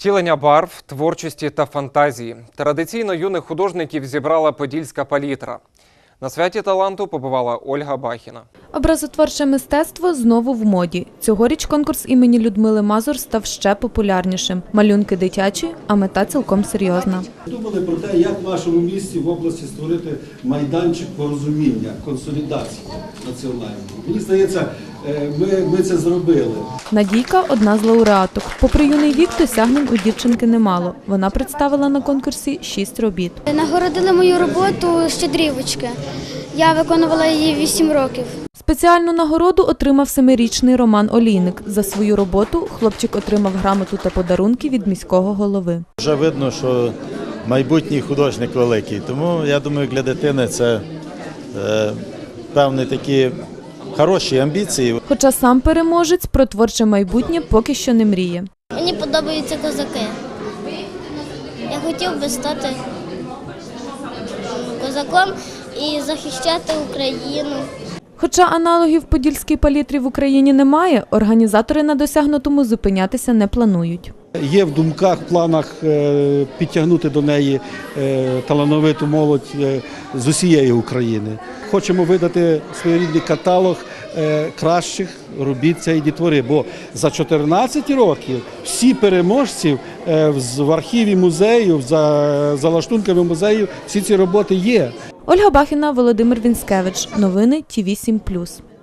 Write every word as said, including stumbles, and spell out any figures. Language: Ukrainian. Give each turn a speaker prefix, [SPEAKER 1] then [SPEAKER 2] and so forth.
[SPEAKER 1] Втілення барв, творчості та фантазії. Традиційно юних художників зібрала Подільська палітра. На святі таланту побувала Ольга Бахіна.
[SPEAKER 2] Образотворче мистецтво знову в моді. Цьогоріч конкурс імені Людмили Мазур став ще популярнішим. Малюнки дитячі, а мета цілком серйозна.
[SPEAKER 3] Думали про те, як в нашому місті в області створити майданчик порозуміння, консолідації національної. Мені здається, ми, ми це зробили.
[SPEAKER 2] Надійка – одна з лауреаток. Попри юний вік, досягнень у дівчинки немало. Вона представила на конкурсі шість робіт.
[SPEAKER 4] Нагородили мою роботу «Щедрівочки». Я виконувала її вісім років.
[SPEAKER 2] Спеціальну нагороду отримав семирічний Роман Олійник. За свою роботу хлопчик отримав грамоту та подарунки від міського голови.
[SPEAKER 5] Вже видно, що майбутній художник великий, тому я думаю, для дитини це е, певні такі хороші амбіції.
[SPEAKER 2] Хоча сам переможець про творче майбутнє поки що не мріє.
[SPEAKER 4] Мені подобаються козаки. Я хотів би стати козаком і захищати Україну.
[SPEAKER 2] Хоча аналогів подільській палітрі в Україні немає, організатори на досягнутому зупинятися не планують.
[SPEAKER 3] Є в думках, в планах підтягнути до неї талановиту молодь з усієї України. Хочемо видати своєрідний каталог кращих робіт цієї дітвори, бо за чотирнадцять років всі переможці в архіві музею, за, за лаштунками музею, всі ці роботи є.
[SPEAKER 2] Ольга Бахіна, Володимир Вінськевич. Новини Ті вісім плюс.